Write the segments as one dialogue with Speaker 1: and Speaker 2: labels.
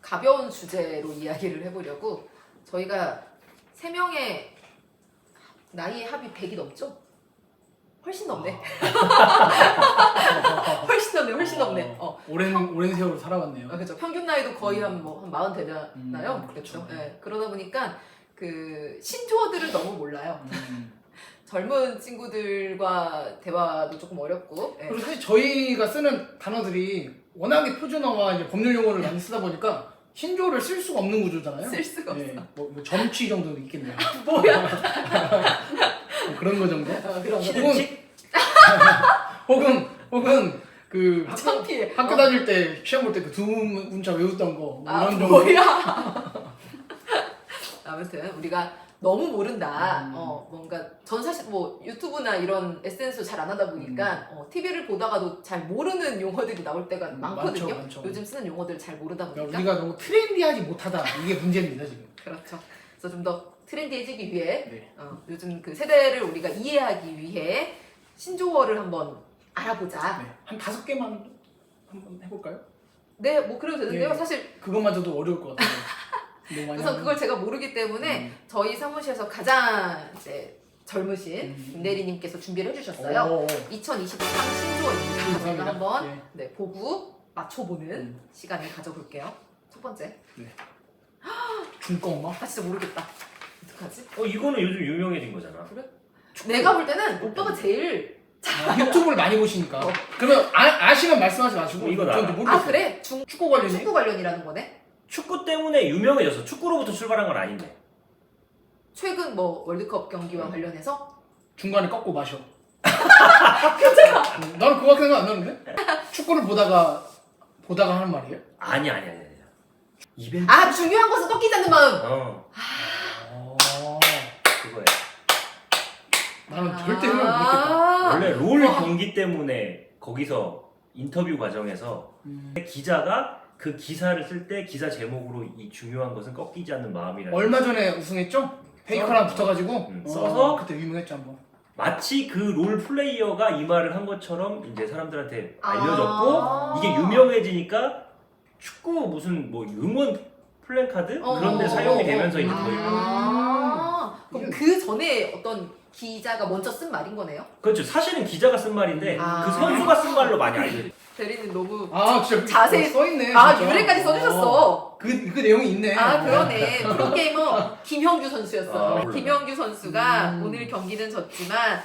Speaker 1: 가벼운 주제로 이야기를 해보려고 저희가 3명의 나이의 합이 100이 넘죠? 훨씬 넘네. 훨씬 넘네.
Speaker 2: 오랜 세월을 살아왔네요.
Speaker 1: 그렇죠. 평균 나이도 거의 한 40 되나요?
Speaker 2: 그렇죠.
Speaker 1: 네. 그러다 보니까 그 신조어들을 너무 몰라요. 젊은 친구들과 대화도 조금 어렵고.
Speaker 2: 그리고 사실 저희가 쓰는 단어들이 워낙에 표준어와 이제 법률 용어를 많이 쓰다 보니까 신조어를 쓸 수가 없는 구조잖아요.
Speaker 1: 쓸 수가 없어.
Speaker 2: 뭐 점취 정도는 있겠네요.
Speaker 1: 뭐야?
Speaker 2: 뭐 그런 거 정도?
Speaker 1: 그런 거.
Speaker 3: 시든칙?
Speaker 2: 혹은 그
Speaker 1: 창피해.
Speaker 2: 학교 다닐 때 시험 볼 때 그 두 문자 외웠던 거 뭐 이런 정도.
Speaker 1: 뭐야? 아무튼 우리가 너무 모른다. 뭔가 전 사실 뭐 유튜브나 이런 SNS도 잘 안 하다 보니까 TV를 보다가도 잘 모르는 용어들이 나올 때가 많거든요.
Speaker 2: 많죠.
Speaker 1: 요즘 쓰는 용어들 잘 모르다 보니까.
Speaker 2: 우리가 너무 트렌디하지 못하다 이게 문제입니다 지금.
Speaker 1: 그렇죠. 그래서 좀 더 트렌디해지기 위해
Speaker 2: 네.
Speaker 1: 요즘 그 세대를 우리가 이해하기 위해 신조어를 한번 알아보자.
Speaker 2: 네. 한 5개만 한번 해볼까요?
Speaker 1: 네, 뭐 그래도 되는데요.
Speaker 2: 네.
Speaker 1: 사실
Speaker 2: 그것마저도 어려울 것 같아요. 너무 많이
Speaker 1: 우선
Speaker 2: 하면.
Speaker 1: 그걸 제가 모르기 때문에 저희 사무실에서 가장 이제 젊으신 김대리님께서 준비를 해주셨어요. 2023 신조어입니다. 저희가 한번
Speaker 2: 네.
Speaker 1: 보고 맞춰보는 시간을 가져볼게요. 첫 번째.
Speaker 2: 중꺼 엄마?
Speaker 1: 아 진짜 모르겠다. 어떡하지?
Speaker 3: 이거는 요즘 유명해진 거잖아.
Speaker 1: 그래? 내가 볼 때는 오빠가 제일
Speaker 2: 유튜브를 많이 보시니까. 그러면 아시면 말씀하지 마시고.
Speaker 3: 이건
Speaker 2: 저는
Speaker 3: 알아.
Speaker 2: 모르겠어요.
Speaker 1: 아 그래?
Speaker 2: 축구 관련이?
Speaker 1: 축구 관련이라는 거네?
Speaker 3: 축구 때문에 유명해졌어. 축구로부터 출발한 건 아닌데.
Speaker 1: 최근 뭐 월드컵 경기와 관련해서?
Speaker 2: 중간에 꺾고 마셔. 나는 그거 생각 안 나는데? 축구를 보다가 하는 말이에요?
Speaker 3: 아니. 이벤트.
Speaker 1: 아 중요한 것은 꺾이지 않는 마음!
Speaker 3: 그거야.
Speaker 2: 나는 절대 생각 못 했겠다.
Speaker 3: 원래 롤 경기 때문에 거기서 인터뷰 과정에서 기자가 그 기사를 쓸 때 기사 제목으로 이 중요한 것은 꺾이지 않는 마음이라는
Speaker 2: 얼마 전에 우승했죠? 페이커랑 붙어가지고
Speaker 3: 써서
Speaker 2: 그때 유명했죠 한번.
Speaker 3: 마치 그 롤 플레이어가 이 말을 한 것처럼 이제 사람들한테 알려졌고 이게 유명해지니까 축구 무슨 뭐 응원 플랜카드 그런 데 사용이 되면서 이제 더 유명해졌어요.
Speaker 1: 그럼 그 전에 어떤 기자가 먼저 쓴 말인 거네요?
Speaker 3: 그렇죠. 사실은 기자가 쓴 말인데
Speaker 1: 아.
Speaker 3: 그 선수가 쓴 말로 많이 알려져.
Speaker 1: 대리는 너무
Speaker 2: 진짜
Speaker 1: 자세히
Speaker 2: 써있네.
Speaker 1: 아
Speaker 2: 진짜.
Speaker 1: 유래까지 써주셨어.
Speaker 2: 그 내용이 있네.
Speaker 1: 아 그러네. 프로게이머 김형규 선수였어.
Speaker 3: 몰라.
Speaker 1: 김형규 선수가 오늘 경기는 졌지만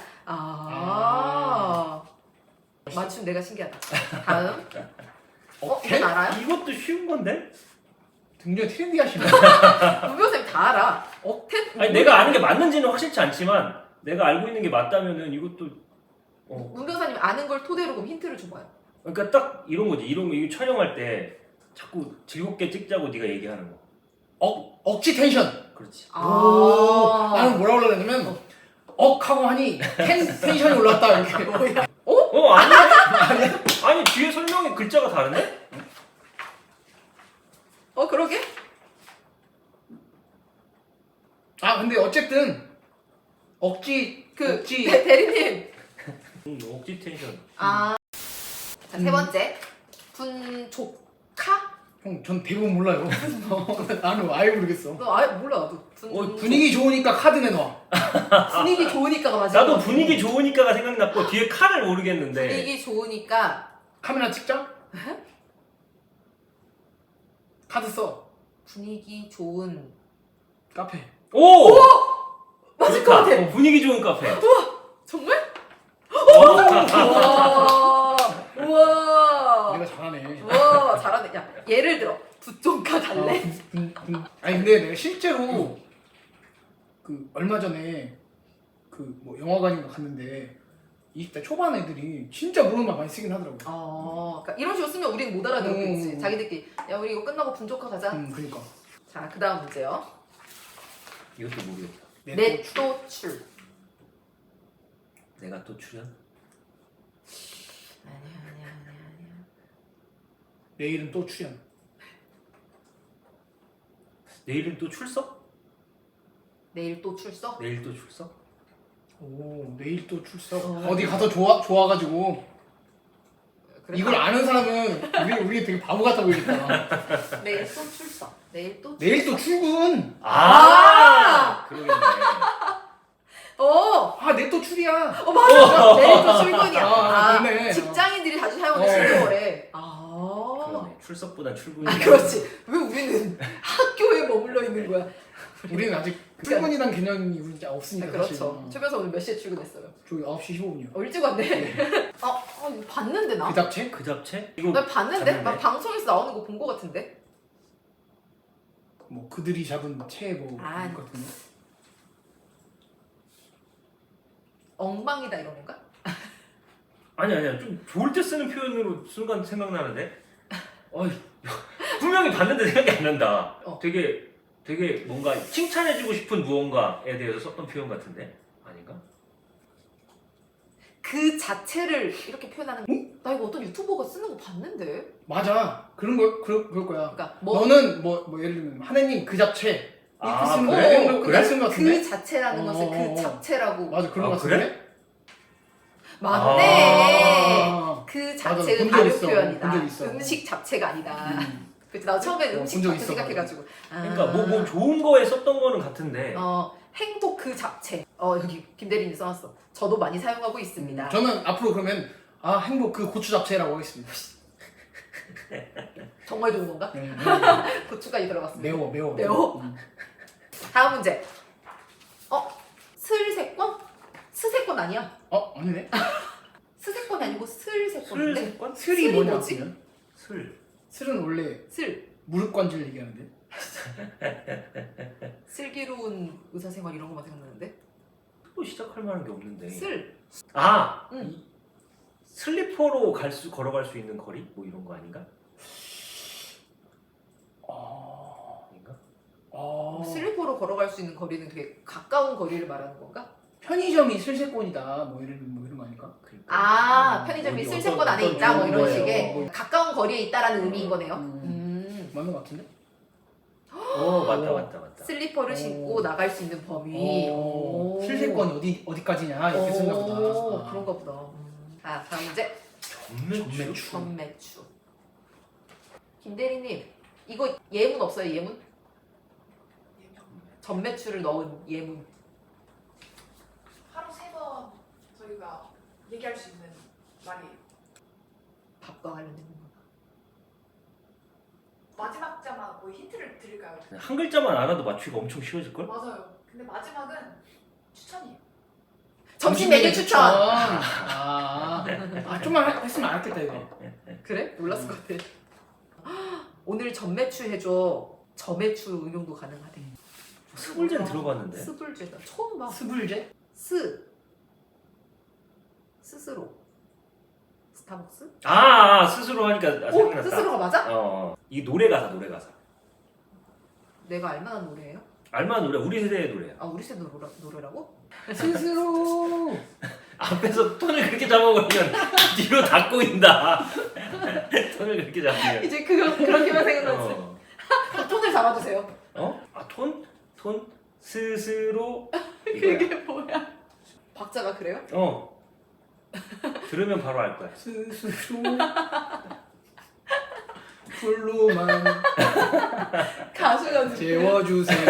Speaker 1: 맞춤 내가 신기하다. 다음. 이건 알아요?
Speaker 3: 이것도 쉬운 건데?
Speaker 2: 굉장히 트렌디하시네.
Speaker 1: 문 변호사님 다 알아. 억텐?
Speaker 3: 아니 내가 아는 게 맞는지는 확실치 않지만 내가 알고 있는 게 맞다면은 이것도
Speaker 1: 문 변호사님 아는 걸 토대로 그럼 힌트를 줘봐요.
Speaker 3: 그러니까 딱 이런 거지. 이런 거 이거 촬영할 때 자꾸 즐겁게 찍자고 네가 얘기하는 거.
Speaker 2: 억지 텐션.
Speaker 3: 그렇지.
Speaker 2: 나는 뭐라 그러냐면 억하고 하니 텐션이 올랐다 이렇게.
Speaker 3: 아니야? 아니 뒤에 설명에 글자가 다른데?
Speaker 1: 그러게?
Speaker 2: 근데 어쨌든 억지
Speaker 1: 대리님.
Speaker 3: 억지 텐션.
Speaker 1: 자, 세 번째. 분조카?
Speaker 2: 형, 전 대부분 몰라요. 나는 아예 모르겠어.
Speaker 1: 너 아예 몰라 나도.
Speaker 2: 분위기 좋으니까 카드 내놔.
Speaker 1: 분위기 좋으니까가 맞아.
Speaker 3: 나도 분위기 좋으니까가 생각났고 뒤에 칼을 모르겠는데.
Speaker 1: 분위기 좋으니까
Speaker 2: 카메라 찍자. 카드 써.
Speaker 1: 분위기 좋은
Speaker 2: 카페.
Speaker 3: 오!
Speaker 1: 맞을 것 같아.
Speaker 3: 분위기 좋은 카페.
Speaker 1: 정말? 우와. 우와.
Speaker 2: 내가 잘하네.
Speaker 1: 우와 잘하네. 야 예를 들어 부종카 달래?
Speaker 2: 아니 근데 내가 실제로 그 얼마 전에 그 뭐 영화관인가 갔는데 20대 초반 애들이 진짜 모르는 말 많이 쓰긴 하더라고.
Speaker 1: 그러니까 이런 식으로 쓰면 우리는 못 알아듣겠지.
Speaker 2: 음.
Speaker 1: 자기들끼리 야 우리 이거 끝나고 분조카 가자.
Speaker 2: 그러니까.
Speaker 1: 자 그다음 문제요.
Speaker 3: 이것도 모르겠다.
Speaker 1: 넷도출.
Speaker 3: 내가 또 출연?
Speaker 1: 아니야.
Speaker 2: 내일은 또 출연.
Speaker 3: 내일은 또 출석?
Speaker 1: 내일 또 출석?
Speaker 3: 내일 또 출석?
Speaker 2: 오, 내일 또 출석. 어디 가서 좋아가지고
Speaker 1: 그래?
Speaker 2: 이걸 아는 사람은 우리 되게 바보 같아 보이겠다.
Speaker 1: 내일 또 출석. 내일 또
Speaker 2: 내일 또 출근.
Speaker 3: 그러겠네.
Speaker 2: 내일 또 출이야.
Speaker 1: 맞아. 내일 또 출근이야.
Speaker 2: 그러네.
Speaker 1: 직장인들이 자주 사용하는 신조어래.
Speaker 3: 그러네. 출석보다 출근이.
Speaker 1: 그렇지. 왜 우리는 학교에 머물러 있는 거야?
Speaker 2: 우리는 아직 출근이란 개념이 우리 이제 없으니까.
Speaker 1: 그렇죠.
Speaker 2: 사실.
Speaker 1: 최 변사 오늘 몇 시에 출근했어요?
Speaker 2: 저기 9시 15분이요.
Speaker 1: 일찍 왔네. 이거 봤는데 나?
Speaker 2: 그 잡채?
Speaker 3: 그 잡채? 이거
Speaker 1: 나 봤는데?
Speaker 3: 잡는데?
Speaker 1: 나 방송에서 나오는 거 본 거 같은데?
Speaker 2: 뭐 그들이 잡은 채 뭐
Speaker 1: 아.
Speaker 2: 그런 것 같은데.
Speaker 1: 엉망이다 이런 건가?
Speaker 3: 아니야. 좀 좋을 때 쓰는 표현으로 순간 생각나는데. 분명히 봤는데 생각이 안 난다. 되게 뭔가 칭찬해주고 싶은 무언가에 대해서 썼던 표현 같은데 아닌가?
Speaker 1: 그 자체를 이렇게 표현하는 거. 나 이거 어떤 유튜버가 쓰는 거 봤는데?
Speaker 2: 맞아. 그럴 거야.
Speaker 1: 그러니까
Speaker 2: 너는 뭐 예를 들면 하느님 그 잡채 이렇게 쓰는 거
Speaker 3: 그래?
Speaker 2: 그래? 쓴거 같은데.
Speaker 1: 그 자체라는 것을 그 잡채라고.
Speaker 2: 맞아 그런 거
Speaker 3: 그래?
Speaker 2: 같은데.
Speaker 1: 맞네. 그 자체는
Speaker 2: 본적
Speaker 1: 다른
Speaker 2: 있어.
Speaker 1: 표현이다.
Speaker 2: 본적 있어.
Speaker 1: 음식 잡채가 아니다. 그치, 나 처음에 음식
Speaker 2: 본적
Speaker 1: 잡채
Speaker 2: 있어.
Speaker 1: 생각해가지고.
Speaker 3: 그러니까 뭐 좋은 거에 썼던 거는 같은데.
Speaker 1: 행복 그 잡채. 여기 김대리님 써놨어. 저도 많이 사용하고 있습니다.
Speaker 2: 저는 앞으로 그러면 행복 그 고추 잡채라고 하겠습니다.
Speaker 1: 정말 좋은 건가? 고추까지 들어갔습니다.
Speaker 2: 매워.
Speaker 1: 매워? 다음 문제. 슬세권? 스세권 아니야?
Speaker 2: 아니네.
Speaker 1: 스세권이 아니고 슬세권인데?
Speaker 3: 술세권?
Speaker 2: 슬이 뭐냐?
Speaker 1: 뭐지?
Speaker 2: 그러면?
Speaker 3: 슬.
Speaker 2: 슬은 원래
Speaker 1: 슬.
Speaker 2: 무릎 관절 얘기하는데.
Speaker 1: 슬기로운 의사생활 이런 거만 생각나는데?
Speaker 3: 또 시작할 만한 게 없는데.
Speaker 1: 슬.
Speaker 3: 이 슬리퍼로 걸어갈 수 있는 거리? 뭐 이런 거 아닌가? 아닌가?
Speaker 1: 슬리퍼로 걸어갈 수 있는 거리는 되게 가까운 거리를 말하는 건가?
Speaker 2: 편의점이 슬세권이다. 뭐 이런 거 아닐까?
Speaker 3: 그러니까.
Speaker 1: 편의점이
Speaker 3: 어디
Speaker 1: 슬세권 안에
Speaker 3: 어떤
Speaker 1: 있다 뭐 이런
Speaker 2: 거예요.
Speaker 1: 식의 가까운 거리에 있다라는 의미인 거네요.
Speaker 2: 맞는 거 같은데?
Speaker 3: 맞다.
Speaker 1: 슬리퍼를 신고 나갈 수 있는 범위.
Speaker 2: 슬세권이 어디까지냐 이렇게 쓴가 보다.
Speaker 1: 그런가 보다. 다음 문제.
Speaker 3: 전매추.
Speaker 1: 전매추. 김대리님, 이거 예문 없어요? 예문? 전매추를 넣은 예문.
Speaker 4: 하루 3번 저희가 얘기할 수 있는 말이
Speaker 1: 밥과 관련된 거.
Speaker 4: 마지막 자만 뭐 힌트를 드릴까요?
Speaker 3: 한 글자만 알아도 맞추기가 엄청 쉬워질걸?
Speaker 4: 맞아요. 근데 마지막은 추천이에요.
Speaker 1: 점심 메뉴 추천.
Speaker 2: 좀만 했으면 알았겠다 이거.
Speaker 1: 그래? 몰랐을 것 같아. 오늘 전매추 해줘. 저매추 응용도 가능하대.
Speaker 3: 스불제는 들어봤는데.
Speaker 1: 스불제다. 처음 봐.
Speaker 2: 스불제?
Speaker 1: 스스로. 스타벅스?
Speaker 3: 스스로 하니까 생각났다.
Speaker 1: 스스로가 맞아?
Speaker 3: 이 노래 가사.
Speaker 1: 내가 알만한 노래예요?
Speaker 3: 알만한 노래, 우리 세대의 노래야.
Speaker 1: 우리 세대 노래라고?
Speaker 2: 스스로.
Speaker 3: 앞에서 톤을 그렇게 잡아버리면 뒤로 다 꼬인다. 톤을 그렇게 잡으면.
Speaker 1: 이제 그렇게만 생각났지. 톤을 잡아주세요.
Speaker 3: 톤? 스스로.
Speaker 1: 그게 뭐야? 박자가 그래요?
Speaker 3: 들으면 바로 알 거야.
Speaker 2: 스스로. 풀로만
Speaker 1: 가수가
Speaker 2: 재워주세요.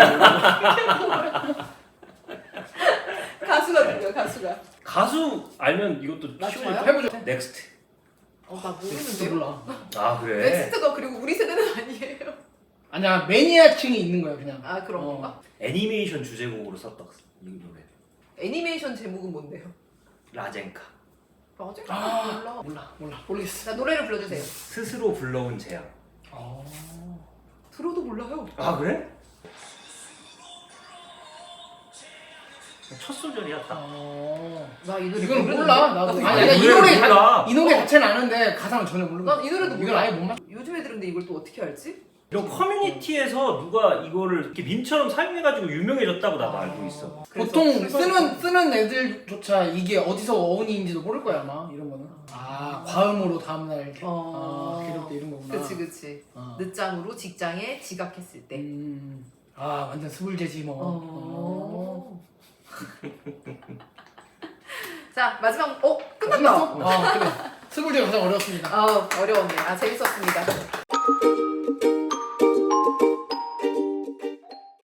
Speaker 1: 가수가 누구야? 가수가.
Speaker 3: 가수 알면 이것도
Speaker 1: 맞아요?
Speaker 3: 쉬워질
Speaker 2: 해보죠.
Speaker 3: 넥스트.
Speaker 1: 나
Speaker 2: 넥스트
Speaker 1: 모르는데요?
Speaker 2: 몰라.
Speaker 3: 그래.
Speaker 1: 넥스트가 그리고 우리 세대는 아니에요.
Speaker 2: 아니야 매니아층이 있는 거야 그냥.
Speaker 1: 그런 건가?
Speaker 3: 애니메이션 주제곡으로 썼던 이 노래.
Speaker 1: 애니메이션 제목은 뭔데요?
Speaker 3: 라젠카.
Speaker 1: 맞아? 몰라.
Speaker 2: 모르겠어.
Speaker 1: 나 노래를 불러주세요.
Speaker 3: 스스로 불러온 재앙.
Speaker 1: 들어도 몰라요.
Speaker 3: 그래? 첫 소절이야 딱.
Speaker 1: 나 이 노래
Speaker 2: 이건
Speaker 1: 모르는데?
Speaker 2: 몰라 나도.
Speaker 1: 이거
Speaker 2: 아니, 이
Speaker 3: 노래를
Speaker 2: 노래
Speaker 3: 몰라.
Speaker 2: 이 노래 자체는 아는데 가사는 전혀 모르고.
Speaker 1: 난 이 노래도
Speaker 2: 이건
Speaker 1: 몰라.
Speaker 2: 아예 못 맞.
Speaker 1: 요즘 애들인데 이걸 또 어떻게 알지?
Speaker 3: 이런 커뮤니티에서 누가 이거를 이렇게 밈처럼 사용해가지고 유명해졌다고 나도 알고 있어.
Speaker 2: 보통 쓰는 애들조차 이게 어디서 어원인지도 모를 거야 아마 이런 거는. 과음으로 다음날 이렇게. 이럴 때 이런 거구나.
Speaker 1: 그치. 늦장으로 직장에 지각했을 때.
Speaker 2: 완전 스불제지 뭐.
Speaker 1: 자 마지막 끝났다.
Speaker 2: 그래. 스물제가 가장 어려웠습니다.
Speaker 1: 어려웠네. 아 재밌었습니다.